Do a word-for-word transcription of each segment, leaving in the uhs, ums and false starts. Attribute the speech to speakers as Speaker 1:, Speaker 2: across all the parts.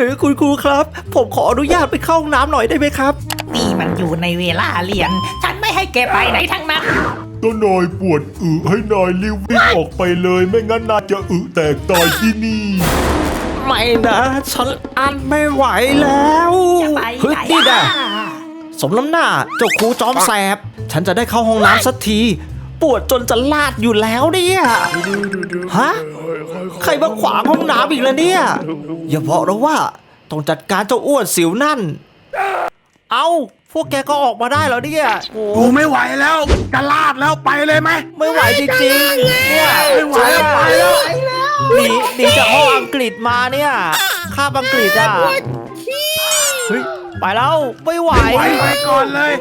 Speaker 1: คุณครูครับผมขออนุญาตไปเข้าห้องน้ำหน่อยได้ไหมครับ
Speaker 2: นี่มันอยู่ในเวลาเรียนฉันไม่ให้แกไปไหนทั้งนั้น
Speaker 3: ถ้านายปวดอึให้นายรีบวิ่งออกไปเลยไม่งั้นนายจะอึแตกตายที่นี่
Speaker 1: ไม่นะฉันอันไม่ไหวแล้วเฮ้ยนี่แหละสมน้ำหน้าเจ้าครูจอมแสบฉันจะได้เข้าห้องน้ำสักทีปวดจนจะลาดอยู่แล้วเนี่ยฮะใครมาขวางห้องน้ำอีกแล้วเนี่ยอย่าบอกนะว่าต้องจัดการเจ้าอ้วนสิวนั่นเอาพวกแกก็ออกมาได้แล้วเนี่ย
Speaker 4: กูไม่ไหวแล้วจะลาดแล้วไปเลยไหม
Speaker 1: ไม่ไหวจริงๆเนี่ย
Speaker 4: ไม่ไหวแล้วไปแล้ว
Speaker 1: หนีหนีจากห้องอังกฤษมาเนี่ยคาบอังกฤษอ่ะเฮ้ยไปแล้วไม่ไหว
Speaker 4: ไปก่อนเลย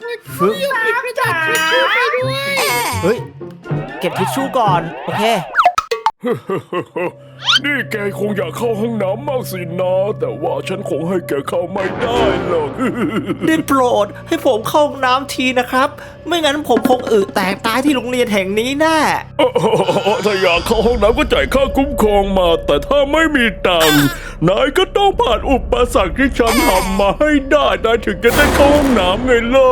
Speaker 1: เฮ้ยเก็บทิชชู่ก่อนโอเค
Speaker 3: นี่แกคงอยากเข้าห้องน้ำมากสินะแต่ว่าฉันคงให้แกเข้าไม่ได้หรอก
Speaker 1: ได้โปรดให้ผมเข้าห้องน้ำทีนะครับไม่งั้นผมคงอึแตกตายที่โรงเรียนแห่งนี้แน่
Speaker 3: ถ้าอยากเข้าห้องน้ำก็จ่ายค่าคุ้มครองมาแต่ถ้าไม่มีตังค์นายก็ต้องผ่านอุปสรรคที่ฉันทำมาให้ได้นายถึงจะได้เข้าห้องน้ำไงล่ะ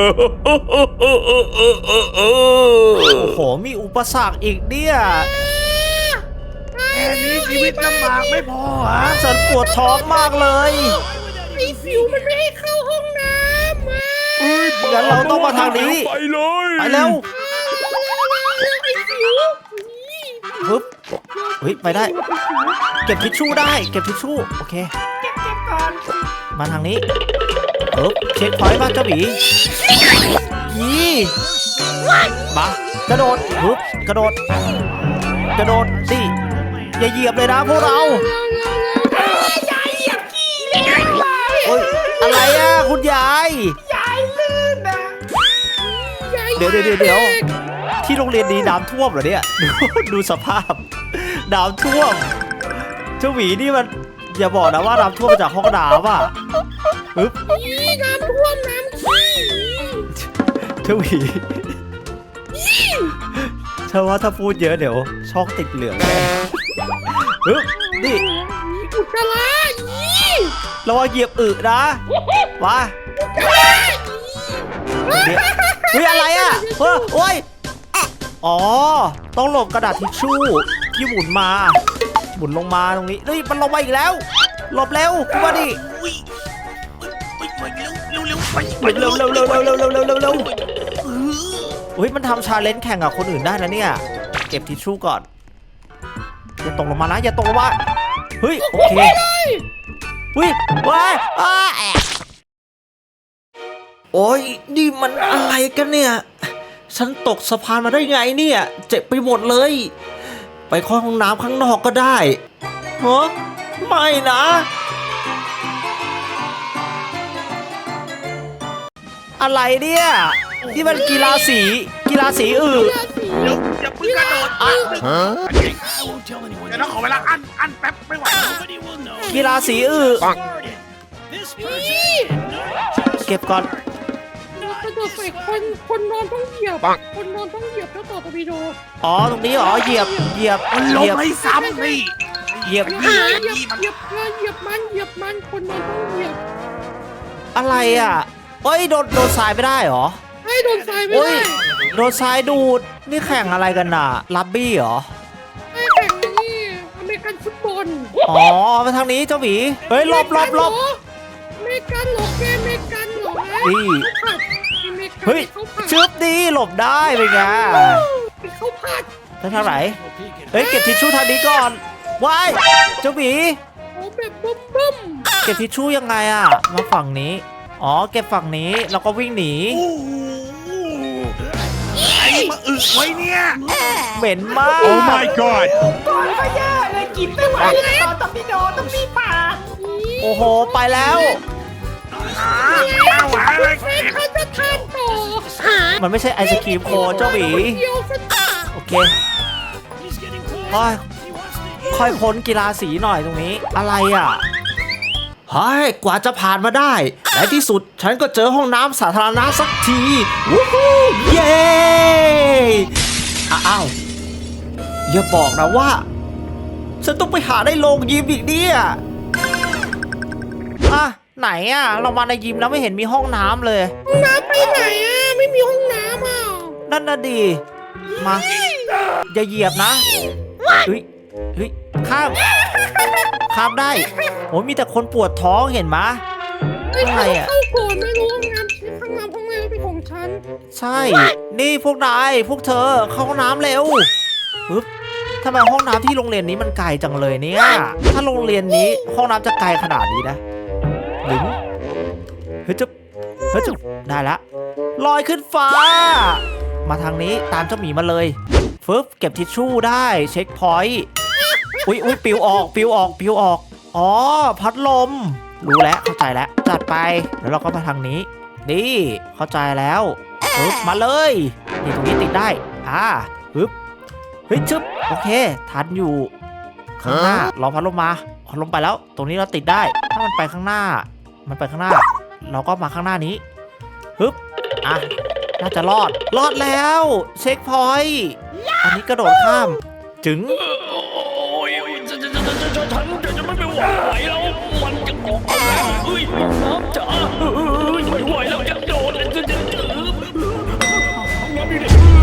Speaker 1: โอ้โหมีอุปสรรคอีกเนี่ย
Speaker 4: แค่นี้ชีวิตลำบากไม่พอฮะ
Speaker 1: ฉันปวดท้องมากเลย
Speaker 5: ไอ้สิวมันไม่ให้เข้าห้องน้ำอ่ะ
Speaker 1: งั้นเราต้องมาทางนี้
Speaker 3: ไปเลย
Speaker 1: ไปเร็ว
Speaker 5: ไอ้สิว
Speaker 1: ปึ๊บเฮ้ยไปได้เก็บทิชชู่ได้เก็บทิชชู่โอเค
Speaker 2: เก็บเก็บก่อน
Speaker 1: มาทางนี้ปึ๊บเช็คพอยต์มาเจ้าหมียี่มากระโดดปึ๊บกระโดดกระโดดสิอย่าเหยียบเลยนะพวกเรา
Speaker 5: ยายเหยียบขี้เลย
Speaker 1: โอ๊ยอะไรอ่ะคุณยาย
Speaker 5: ยายลื่นนะ
Speaker 1: เดี๋ยวเดี๋ยวเดี๋ยวที่โรงเรียนนี้น้ำท่วมเหรอเนี่ยดูสภาพน้ำท่วมเจ้าหวีนี่มันอย่าบอกนะว่าน้ำท่วมมาจากห้องน้ำอ่ะปึ๊บ
Speaker 5: น้ำท่วมน้ำขี้
Speaker 1: เจ้าหวีเชื่อว่าถ้าพูดเยอะเดี๋ยวช่องติดเหลืองแน่ปึ๊บนี่
Speaker 5: อุจจาระ
Speaker 1: ระวังเหยียบอึนะมาเดี๋ยวเฮ้ยอะไรอ่ะเฮ้ยโอ้ยอ๋อต้องหลบกระดาษทิชชู่ที่หมุนมาหมุนลงมาตรงนี้เฮ้ยมันลงมาอีกแล้วหลบเร็วคุณมาดิเร็วเร็วเร็วเร็วเร็วเร็วเร็วเร็วเร็วเฮ้ยมันทำชาเลนจ์แข่งกับคนอื่นได้นะเนี่ยเก็บทิชชู่ก่อนอย่าตกลงมานะอย่าตกลงมาเฮ้ยโอเคเฮ้ยว้ายอ้าแอะโอ้ยนี่มันอะไรกันเนี่ยฉันตกสะพานมาได้ไงเนี่ยเจ็บไปหมดเลยไปเข้าห้องน้ำข้างนอกก็ได้ฮะไม่นะอะไรเนี่ยที่มันกีฬาสีกีฬาสีอื่น
Speaker 4: เดี๋ยวอย่าเพิ่งกระโดดอ่ะเดี๋ยวเราขอเวลาอันอันแป๊บไม่ไหว
Speaker 1: กีฬาสีอื่นเก็บก่อน
Speaker 5: กระโดดใส่คนคนนอนต้องเหยียบคนนอนต้องเหยียบแล้วต่อตะวีโด
Speaker 1: อ๋อตรงนี้อ๋อเหยียบเหยียบ
Speaker 4: ลงไม่ซ้ำนี่
Speaker 1: เหยียบ
Speaker 5: เหยียบเหยียบเหยียบมันเหยียบมันคนนอนต้องเหยียบ
Speaker 1: อะไรอ่ะเฮ้ยโดนโดนทรายไม่ได้หรอ
Speaker 5: ให้โดนทรายไม่ได้
Speaker 1: โดนทรายดูดนี่แข่งอะไรกันน่ะลับบี้เหรอ
Speaker 5: ไม่แข่งนี่อเมริกันฟุตบอล
Speaker 1: อ๋อมาทางนี้เจ้าหมีเฮ้ยหลบหลบหลบ
Speaker 5: อเมริกันหลบแกอเมริกันหรอ
Speaker 1: ดีเฮ้ยชึบดีหลบได้เป็นไง
Speaker 5: เขาพัด
Speaker 1: แล้วทางไหนเฮ้ยเก็บทิชชู่ทางนี้ก่อนว้ายเจ้าหมี
Speaker 5: โอ้แบบบึ้มบึ้ม
Speaker 1: เก็บทิชชู่ยังไงอ่ะมาฝั่งนี้อ๋อเก็บฝั่งนี้แล้วก็วิ่งหนี
Speaker 4: ไอ้มาอึไว้เนี่ย
Speaker 1: เหม็นมาก
Speaker 3: Oh my god
Speaker 2: ก่อนก็เยอะเลยกินไม่ไหวเลยตอนต้องมีโดต้องมีปาก
Speaker 1: โอ้โหไปแล้ว
Speaker 5: เขาจะทานต่อ
Speaker 1: มันไม่ใช่ไอศกรีมโคเจ้าหมีโอเคค่อยค่อยพ้นกีฬาสีหน่อยตรงนี้อะไรอ่ะเฮ้ยกว่าจะผ่านมาได้ในที่สุดฉันก็เจอห้องน้ำสาธารณะสักทีวู้ฮู้เย้อ้าวอย่าบอกนะว่าฉันต้องไปหาได้โรงยิมอีกเนี่ยไหนอะเรามาในยิมแล้วไม่เห็นมีห้องน้ำเลย
Speaker 5: ห้องน้ำไปไหนอ่ะไม่มีห้องน้ำอ่ะ
Speaker 1: นั่นน่ะดีมาอย่าเหยียบนะเฮ้ยเฮ้ยข้ามข้ามได้โอ้มีแต่คนปวดท้องเห็นไหมะ
Speaker 5: ไอ้
Speaker 1: ข้างใน
Speaker 5: เขา
Speaker 1: อะ
Speaker 5: เข้าก่อนไม่รู้ห้องน้ำข้างน้ำห้องน้ำเป็นของฉัน
Speaker 1: ใช่ นี่พวกนายพวกเธอเข้าห้องน้ำเร็วปึ๊บทำไมห้องน้ำที่โรงเรียนนี้มันไกลจังเลยเนี่ยถ้าโรงเรียนนี้ห้องน้ำจะไกลขนาดนี้นะหรือเฮ้ยจะเฮ้ยจะได้ละลอยขึ้นฟ้า มาทางนี้ตามเจ้าหมีมาเลยฟึบเก็บทิชชู่ได้เช็คพอยต์อุ้ยอุ้ยปิวออกปิวออกปิวออกอ๋อพัดลมรู้แล้วเข้าใจแล้วจัดไปแล้วเราก็มาทางนี้นี่เข้าใจแล้วปึ๊บมาเลยนี่ตรงนี้ติดได้อ่าปึ๊บเฮ้ยชึบโอเคทันอยู่ข้างหน้ารอพัดลมมาพัดลมไปแล้ว ตรงนี้เราติดได้ถ้ามันไปข้างหน้า มันไปข้างหน้า เราก็มาข้างหน้านี้ปึ๊บอ่ะน่าจะรอดรอดแล้วเช็คพอยต์อันนี้กระโดดข้ามจึง
Speaker 3: โอ้ยฉันฉันฉันฉันฉันฉันจะไม่ไหวแล้วมันจะออกมาเอ้ยน้ำจ๋าเอ้ยไม่ไหวแล้วจะโดดจะจะจะน้ำอยู่ไหน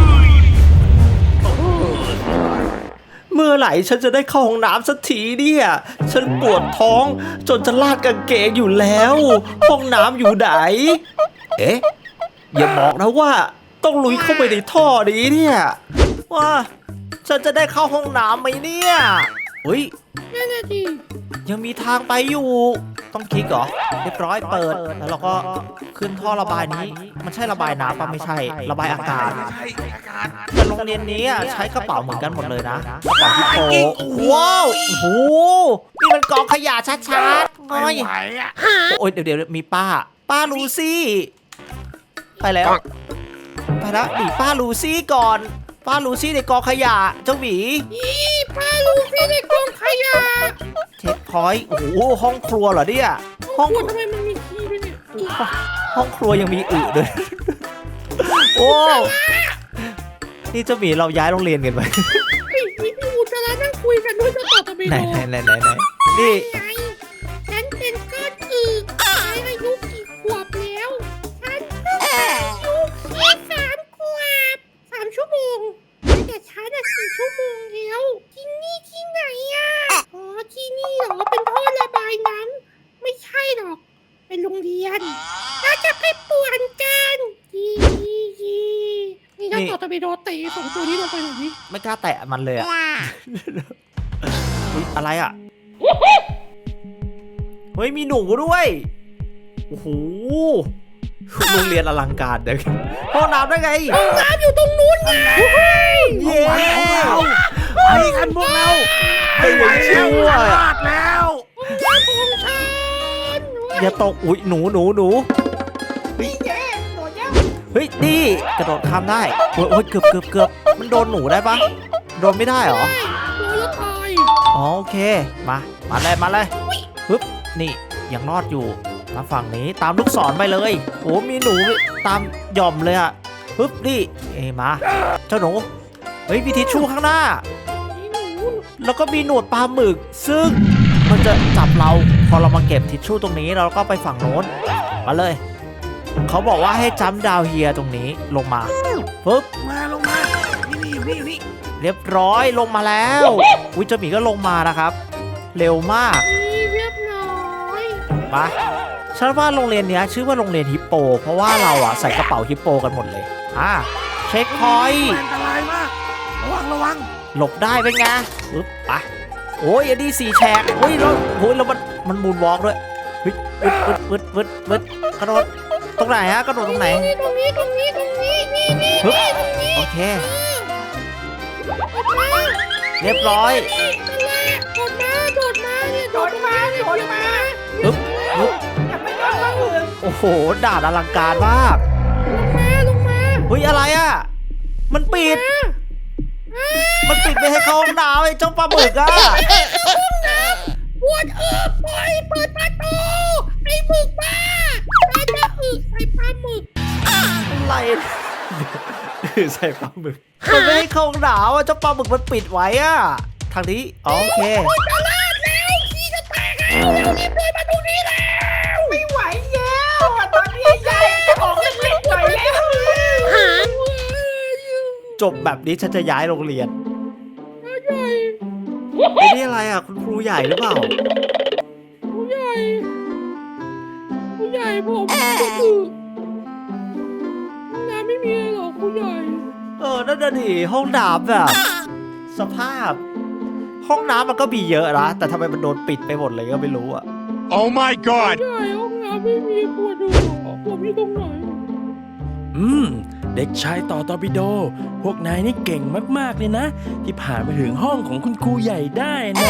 Speaker 1: เมื่อไหร่ฉันจะได้เข้าห้องน้ำสักทีเนี่ย ฉันปวดท้องจนจะลาดกางเกงอยู่แล้ว ห้องน้ำอยู่ไหน เอ๊ะ อย่าบอกนะว่าต้องลุยเข้าไปในท่อนี้เนี่ยว่าฉันจะได้เข้าห้องน้ำไหมเนี่ยอุ้ย
Speaker 5: นั่นน่ะดิ
Speaker 1: ยังมีทางไปอยู่ ต้องคลิกเหรอ เรียบร้อยเปิด แล้วเราก็ขึ้นท่อระบายนี้ มันใช่ระบายน้ำปะไม่ใช่ ระบายอากาศ
Speaker 4: ใช่อากาศ
Speaker 1: แต่โรงเรียนนี้อะใช้กระเป๋าเหมือนกันหมดเลยนะกระเป๋าที่โปว้าวโอ้โหนี่มันกองขยะชัดๆ
Speaker 4: ไม่
Speaker 1: ง่อย
Speaker 4: ไหวอ่ะ
Speaker 1: โอ้ยเดี๋ยวเดี๋ยวมีป้า ป้าลูซี่ไปแล้วไปแล้วหนีป้าลูซี่ก่อน ป้าลูซี่ในกองขยะเจ้าหมี
Speaker 5: อีพาลูฟี่ในกองขยะ
Speaker 1: เช็คพอยต์โอ้โหห้องครัวเหรอเนี่ยห้อง
Speaker 5: ปวดทำไมมันมีขี้ด้วยเนี่ยอี
Speaker 1: ห้องครัวยังมีอึด้วย โอ้นี่เจ้าหมีเราย้ายโรงเรียนกันไป
Speaker 5: ไอ้ที่พี่อุจจาระนั่งคุยกันด้วยเจะต่อตะเบโด
Speaker 1: ไหนไหนไหนไหนไหนนี่
Speaker 5: ไงฉันเป็นก้อนอึฉันอายุกี่ขวบแล้วฉันเพิ่งอายุแค่สามขวบสามชั่วโมงแต่ฉันอะสี่ชั่วโมงแล้วที่นี่ที่ไหนอะอ๋อที่นี่เหรอเป็นท่อระบายน้ำไม่ใช่หรอก เป็นโรงเรียนน่าจะไปป่วนกันยียียีนี่ถ้าต่อตะเบโดเตะสองตัวนี้ลงไปหน่อยดิ
Speaker 1: ไม่กล้าแตะมันเลยอะอุ๊ยอะไรอะเฮ้ยมีหนูด้วย โอ้โหโรงเรียนอลังการเด็กห้องน้ำได้ไง
Speaker 5: ห้องน้ำอยู่ตรงนู้นไง
Speaker 1: เย้
Speaker 4: ไปกันพวกเราไม่ไหวแล้วจะรอดแล้ว
Speaker 5: ห้องน้ำของฉัน
Speaker 1: อย่าตกอุ๊ยหนูหนูหนู
Speaker 2: นี่แย่โดนย่า
Speaker 1: เฮ้ยนี่กระโดดข้ามได้โอ้ยโอ้ยเกือบเกือบเกือบมันโดนหนูได้ปะโดนไม่ได้เหรอ
Speaker 5: โดนแล้วตาย
Speaker 1: อ๋อโอเคมามาเลยมาเลยปึ๊บนี่ยังรอดอยู่มาฝั่งนี้ตามลูกศรไปเลยโอ้มีหนูตามหย่อมเลยอะปึ๊บนี่เอยมาเจ้าหนูเฮ้ยมีทิชชู่ข้างหน้า
Speaker 5: นี่หนู
Speaker 1: แล้วก็มีหนวดปลาหมึก ซึ่งมันจะจับเราพอเรามาเก็บทิชชู่ตรงนี้เราก็ไปฝั่งโน้นมาเลยเขาบอกว่าให้จัมป์ดาวเฮียตรงนี้ลงมาปึ๊บ
Speaker 4: มาลงมา นี่นี่อยู่นี่อยู่นี่
Speaker 1: เรียบร้อยลงมาแล้วอุ้ยเจ้าหมีก็ลงมานะครับ เร็วมาก
Speaker 5: นี่เรียบร้อย
Speaker 1: ไปฉันว่าโรงเรียนเนี้ยชื่อว่าโรงเรียนฮิปโป เพราะว่าเราอะใส่กระเป๋าฮิปโปกันหมดเลยอ่าเช็คพอยต์
Speaker 4: อันตรายมาก ระวังระวัง
Speaker 1: หลบได้เป็นไงปึ๊บไปโอ้ยอันนี้สี่แฉกโอ้ยแล้วโอ้ยแล้วมันมันมูนวอล์กด้วยเฮ้ยปึ๊ดปึ๊ดปึ๊ดปึ๊ดปึ๊ดกระโดดตรงไหนฮะกระโดดตรงไหน
Speaker 5: นี่ตรงนี้ตรงนี้ตรงนี้นี่นี่
Speaker 1: ปึ๊บ
Speaker 5: นี่ตรงนี้
Speaker 1: โอเค
Speaker 5: กดมา
Speaker 1: เรียบร้อย
Speaker 5: กดมาโดดมาเนี่ย
Speaker 2: โดนมาโดนมา
Speaker 1: ปึ๊บปึ๊บ
Speaker 2: อย่าไปโดนมาอื่น
Speaker 1: โอ้โหด่านอลังการมาก
Speaker 5: ลงมาลงมา
Speaker 1: เฮ้ยอะไรอะมันปิด มันปิดไม่ให้เข้าห้องน้ำไอ้เจ้าปลาหมึกอะ
Speaker 5: ปวดเอือบปล่อยเปิดประตูไอ้หมึกบ้าอาจจะอึใส่ปลาหมึก
Speaker 1: อะไรใส่ปลาหมึกมันไม่ให้เข้าห้องน้ำอะเจ้าปลาหมึกมันปิดไว้อะทางนี้อ๋อโอเค
Speaker 5: จะลาดแล้วขี้จะแตกแล้วเร็วรีบเดินมาตรงนี้แล้วไม่ไหว
Speaker 1: จบแบบนี้ฉันจะย้ายโรงเรียน
Speaker 5: ใหญ่
Speaker 1: ไอ้นี่อะไรอ่ะคุณครูใหญ่หรือเปล่า
Speaker 5: ผู้ใหญ่ผู้ใหญ่ผมก็คือห้องน้ำไม่มีหรอกผู้ใหญ่
Speaker 1: เออนั่นน่ะดิห้องน้ำแบบ สภาพ ห้องน้ำมันก็มีเยอะนะแต่ทำไมมันโดนปิดไปหมดเลยก็ไม่รู้อ่ะ
Speaker 4: Oh my god
Speaker 5: ผู้ใหญ่ห้องน้ำไม่มีปวดหัวผมอยู่ตรงไหน
Speaker 3: อืม เด็กชายต่อตอร์ปิโด พวกนายนี่เก่งมากๆเลยนะ ที่ผ่านมาถึงห้องของคุณครูใหญ่ได้นะ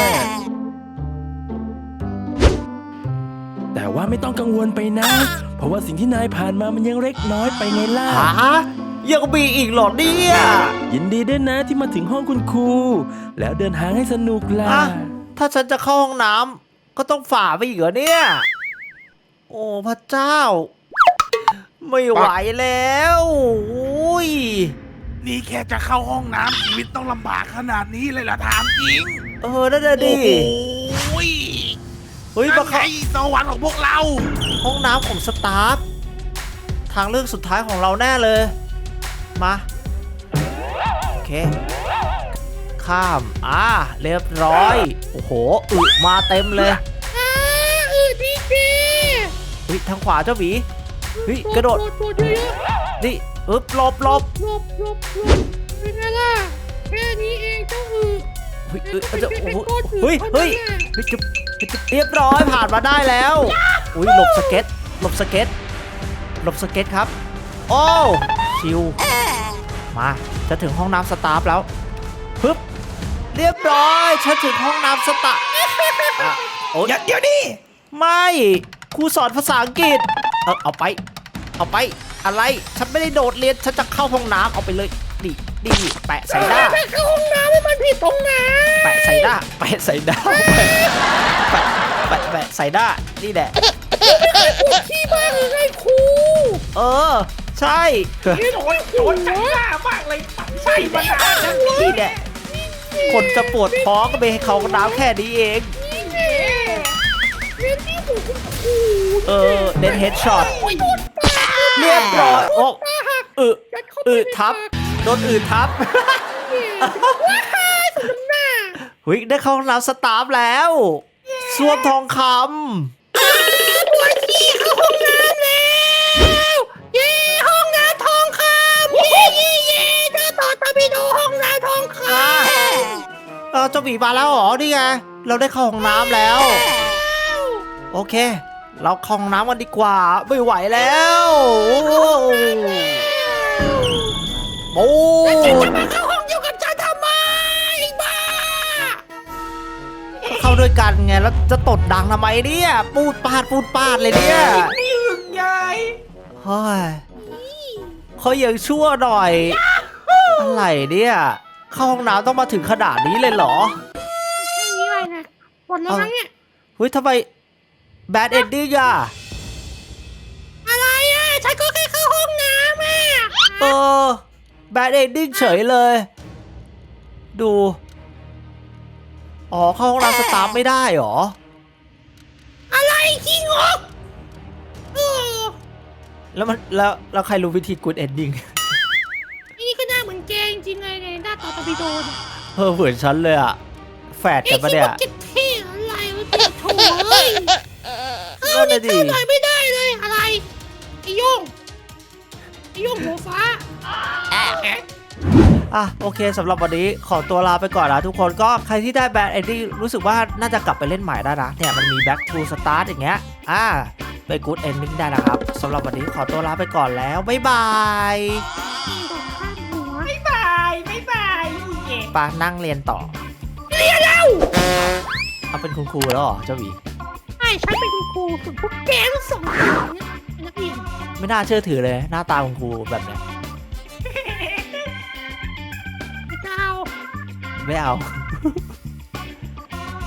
Speaker 3: แต่ว่าไม่ต้องกังวลไปนะ เพราะว่าสิ่งที่นายผ่านมามันยังเล็กน้อยไปไงล่ะ
Speaker 1: ฮะยังมีอีกเหรอเนี่ย
Speaker 3: ยินดีด้วยนะที่มาถึงห้องคุณครู แล้วเดินทางให้สนุกล่ะ
Speaker 1: อะถ้าฉันจะเข้าห้องน้ำก็ต้องฝ่าไปอีกเหรอเนี่ย โอ้พระเจ้า ไม่ไหวแล้วอุ้ย
Speaker 4: นี่แค่จะเข้าห้องน้ำชีวิตต้องลำบากขนาดนี้เลยเหรอถามจริง
Speaker 1: เออนั่นน่ะดิ
Speaker 4: โอ้ย
Speaker 1: เฮ้ย
Speaker 4: นั่
Speaker 1: มาน
Speaker 4: ไง
Speaker 1: เข้า
Speaker 4: สวรรค์ของพวกเรา
Speaker 1: ห้องน้ำของสตาฟทางเลือกสุดท้ายของเราแน่เลย มาโอเค ข้ามอ่าเรียบร้อย โอ้โหอึมาเต็มเลย
Speaker 5: อ่าเออดีเจ
Speaker 1: เฮ้ยทางขวาเจ้าหมีเฮ้ยกระโดด
Speaker 5: โดดโดดเยอะ
Speaker 1: นี่อึบหลบหลบ
Speaker 5: ๆหลบหลบหลบเป็นไงล่ะแค่นี้เองเจ้าอือ
Speaker 1: เฮ้ยเอ้ยเอ้ยโอ้โหเฮ้ยเฮ้ยเฮ้ยจุ๊บเฮ้ยจุ๊บเรียบร้อยผ่านมาได้แล้วอุ้ยหลบสเก็ตหลบสเก็ตหลบสเก็ตครับโอ้ชิวมาจะถึงห้องน้ำสตาฟแล้วปึ๊บเรียบร้อยฉันถึงห้องน้ำสตาฟอ่ะโอ้ย
Speaker 2: เดี๋ยวนี้
Speaker 1: ไม่ครูสอนภาษาอังกฤษเออเอาไป เอาไปอะไรฉันไม่ได้โดดเรียนฉันจะเข้าห้องน้ำเอาไปเลยดิดิแปะใส่หน้า
Speaker 5: ถ้าเข้าห้องน้ำให้มันผิดตรงไหน
Speaker 1: แปะใส่หน้าแปะใส่หน้าแปะแปะแปะใส่หน้านี่แหละ
Speaker 5: ที่บ้านเลยไงครู
Speaker 1: เออใช่
Speaker 2: โดนโดนใจหน้ามากเลยปัดใส่มานานแล้ว
Speaker 1: นี่แหละคนจะปวดท้องก็ไปให้เขาน้ำแค่นี้เอง
Speaker 5: นี่แน่เรียนที่หูคุณครู
Speaker 1: เออเน้นเฮดช็อต
Speaker 5: โอ้ยโดนปาก
Speaker 1: เรียบร้อยโอ้
Speaker 5: ตาหัก
Speaker 1: อึ
Speaker 5: ยัดเข้าไป
Speaker 1: อึ
Speaker 5: ใน
Speaker 1: ทับ
Speaker 5: ปาก
Speaker 1: โดนอึทับ
Speaker 5: ว้ายสมน้ำหน้า
Speaker 1: หุยได้เข้าห้องน้ำสตาฟแล้วส้วมทองค
Speaker 5: ปวดขี้เข้าห้องน้ำแล้วเย้ห้องน้ำทองคำเย้เย้เย้เจ้าต่อตะบิโดห้องน้ำทองคำ
Speaker 1: ำเออเจ้าหมีมาแล้วเหรอนี่ไงเราได้เข้าห้องน้ำแล้ว โอเค เราเข้าห้องน้ำกันดีกว่าไม่ไหวแล้วโอ้
Speaker 5: จะมาเข้าห้องเดียวกับฉันทำไมบ้า
Speaker 1: เข้าด้วยกันไงแล้วจะตดดังทำไมเนี่ยปูดปาดปูดปาดเลยเนี่ย
Speaker 2: นี่อึ่งยาย
Speaker 1: เฮ้ยเขายังชั่วหน่อย อะไรเนี่ยเข้าห้องน้ำต้องมาถึงขนาดนี้เลยเหรอ
Speaker 5: นี่อะไรนะหมดแล้วมั้งเนี่ย
Speaker 1: เฮ้ยทำไมแบดเอนดิ้งอะ
Speaker 5: อะไรอ่ะฉันก็แค่เข้าห้องน้ำอ่ะ
Speaker 1: เออแบดเอนดิ้งเฉยเลย ดู อ๋อเข้าห้องน้ำสตาฟไม่ได้เหรอ
Speaker 5: อะไรขี้งกเออ
Speaker 1: แล้วมันแล้วแล้วใครรู้วิธีกูดเอนดิ้ง
Speaker 5: นี่ก็หน้าเหมือนแกจริงๆเลยในหน้าต่อตะบิโดน
Speaker 1: เออเหมือนฉันเลยอะแฝด
Speaker 5: ไอ้
Speaker 1: กันปะ
Speaker 5: ที่
Speaker 1: เนี่ย
Speaker 5: มันจะเท่อะไรวะเจ้าโถ่เอ้ยเข้า
Speaker 1: นั่น
Speaker 5: นี่
Speaker 1: น่ะดิ
Speaker 5: เข้าหน่อยไม่ได้เลยอะไรไอ้โย่งไอ้โย่งหัวฟ้า
Speaker 1: อ่ะโอเคสำหรับวันนี้ขอตัวลาไปก่อนนะทุกคนก็ใครที่ได้แบดเอนดิ้งรู้สึกว่าน่าจะกลับไปเล่นใหม่ได้นะเนี่ยมันมี back to start อย่างเงี้ยอ่าไป good ending ได้นะครับสำหรับวันนี้ขอตัวลาไปก่อนแล้วบ๊ายบาย
Speaker 5: นี่โดนข้ามหัว
Speaker 2: บ๊ายบายบ๊ายบายเย่
Speaker 1: ปานั่งเรียนต่อ
Speaker 5: เรียนแล้ว
Speaker 1: เอาเป็นคุณครูแล้วเหรอเจ้าหวี
Speaker 5: ไอ้ฉันเป็นคุณครูส่วนพวกแกทั้งสองคนเนี่ยเป็นนักเรียน
Speaker 1: ไม่น่าเชื่อถือเลยหน้าตาคุณครูแบบเนี้ย
Speaker 5: ไม่เจ้า
Speaker 1: ไม่เอา